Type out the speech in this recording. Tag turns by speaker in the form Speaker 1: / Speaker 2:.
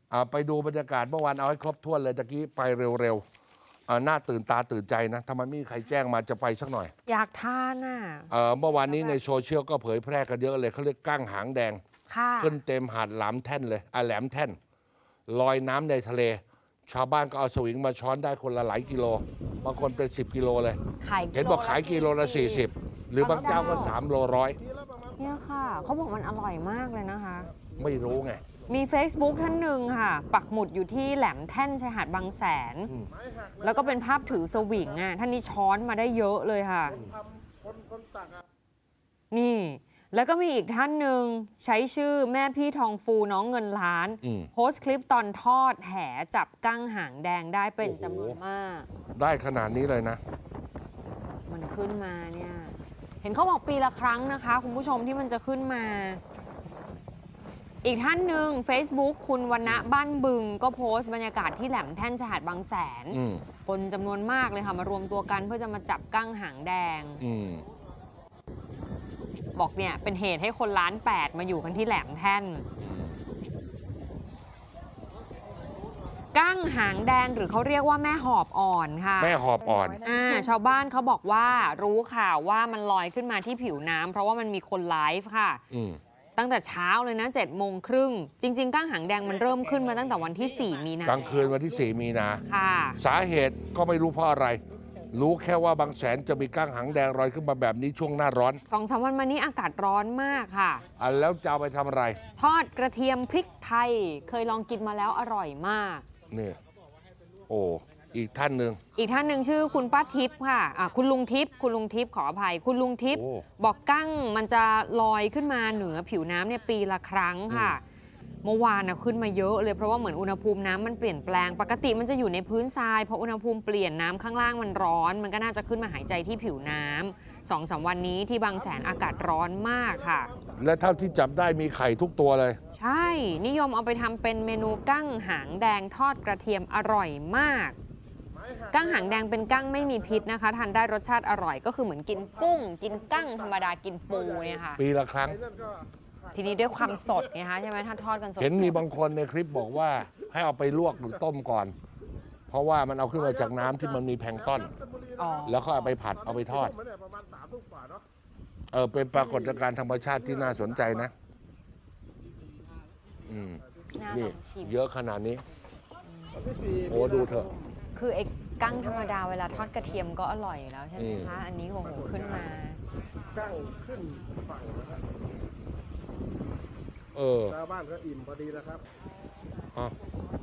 Speaker 1: ไปดูบรรยากาศเมื่อวานเอาให้ครบถ้วนเลยตะกี้ไปเร็วๆน่าตื่นตาตื่นใจนะทำไมไม่มีใครแจ้งมาจะไปสักหน่อย
Speaker 2: อยากทานอ่ะ
Speaker 1: เมื่อวานนี้ในโซเชียลก็เผยแพร่กันเยอะเลยเขาเรียกกั้งหางแดง
Speaker 2: ค่ะ
Speaker 1: ขึ้นเต็มหาดหลามแท่นเลยแหลมแท่นลอยน้ำในทะเล ชาวบ้านก็เอาสวิงมาช้อนได้คนละหลายกิโลบางคนเป็น10 กิโลเลย
Speaker 2: ขาย
Speaker 1: เห็นบอกขายกิโลละ40หรือบางเจ้าก็3 โลร้อย
Speaker 2: เนี่ยค่ะเขาบอกมันอร่อยมากเลยนะคะ
Speaker 1: ไม่รู้ไง
Speaker 2: มี Facebook ท่านหนึ่งค่ะ ปักหมุดอยู่ที่แหลมแท่นชายหาดบางแสน แล้วก็เป็นภาพถือสวิงอ่ะท่านนี้ช้อนมาได้เยอะเลยค่ะ นี่ แล้วก็มีอีกท่านหนึ่งใช้ชื่อแม่พี่ทองฟูน้องเงินล้าน โพสต์คลิปตอนทอดแหจับกั้งหางแดงได้เป็นจำนวนมาก
Speaker 1: ได้ขนาดนี้เลยนะ
Speaker 2: มันขึ้นมาเนี่ย เห็นเขาบอกปีละครั้งนะคะ คุณผู้ชมที่มันจะขึ้นมา อีกท่านหนึ่ง Facebook คุณวรรณะบ้านบึง ก็โพสต์บรรยากาศที่แหลมแท่นชายหาดบางแสน คนจำนวนมากเลยค่ะ มารวมตัวกันเพื่อจะมาจับกั้งหางแดง บอกเนี่ยเป็นเหตุให้คนล้าน8มาอยู่กันที่แหลมแท่น กั้งหางแดงหรือเขาเรียกว่าแม่หอบอ่อนค่ะ
Speaker 1: แม่หอบอ่อน
Speaker 2: ชาวบ้านเขาบอกว่ารู้ข่าวว่ามันลอยขึ้นมาที่ผิวน้ำเพราะว่ามันมีคนไลฟ์ค่ะ ตั้งแต่เช้าเลยนะ7:30 จริงๆกั้งหางแดงมันเริ่มขึ้นมาตั้งแต่วันที่ 4 มีนาก
Speaker 1: ลางคืนวันที่4 มีนา
Speaker 2: ค่ะ
Speaker 1: สาเหตุก็ไม่รู้เพราะอะไร รู้แค่ว่าบางแสนจะมีกั้งหางแดงลอยขึ้นมาแบบนี้ช่วงหน้าร้อน
Speaker 2: 2-3 วันมานี้อากาศร้อนมากค่ะ
Speaker 1: แล้วจะเอาไปทำอะไร
Speaker 2: ทอดกระเทียมพริกไทย เคยลองกินมาแล้วอร่อยมาก
Speaker 1: นี่โอ้อีกท่านหนึ่ง
Speaker 2: อีกท่านหนึ่งชื่อคุณป้าทิพย์ค่ะคุณลุงทิพย์ขออภัย คุณลุงทิพย์
Speaker 1: โอ้
Speaker 2: บอกกั้งมันจะลอยขึ้นมาเหนือผิวน้ำเนี่ยปีละครั้งค่ะ เมื่อวานนะขึ้นมาเยอะเลยเพราะว่าเหมือนอุณหภูมิน้ำมันเปลี่ยนแปลงปกติมันจะอยู่ในพื้นทรายพออุณหภูมิเปลี่ยนน้ำข้างล่างมันร้อน มันก็น่าจะขึ้นมาหายใจที่ผิวน้ำ2-3 วันนี้ที่บางแสนอากาศร้อนมากค่ะ
Speaker 1: และเท่าที่จับได้มีไข่ทุกตัวเลย
Speaker 2: ใช่นิยมเอาไปทำเป็นเมนูกั้งหางแดงทอดกระเทียมอร่อยมาก กั้งหางแดงเป็นกั้งไม่มีพิษนะคะทานได้รสชาติอร่อยก็คือเหมือนกินกุ้ง กินกั้งธรรมดากินปูเนี่ยค่ะ
Speaker 1: ปีละครั้ง
Speaker 2: ทีนี้ด้วยความสดไงคะใช่ไหมถ้าทอดกันสด
Speaker 1: เห็นมีบางคนในคลิปบอกว่าให้เอาไปลวกหรือต้มก่อน เพราะว่ามันเอาขึ้นมาจากน้ำที่มันมีแพลงก์ต้น
Speaker 2: อ๋อ
Speaker 1: แล้วก็เอาไปผัดเอาไปทอด เป็นปรากฏการณ์ธรรมชาติที่น่าสนใจนะ
Speaker 2: น่าล
Speaker 1: นี่
Speaker 2: องชิม
Speaker 1: เยอะขนาดนี้ โอ้ดูเถอะ
Speaker 2: คือไอ้กั้งธรรมดาเวลาทอดกระเทียมก็อร่อยอยู่แล้วใช่ไหมคะอันนี้โอ้โหขึ้นมา
Speaker 3: กั้งขึ้นฝั่งนะครับ
Speaker 1: ชาวบ้านก็อิ่มพอดีแล้วครับ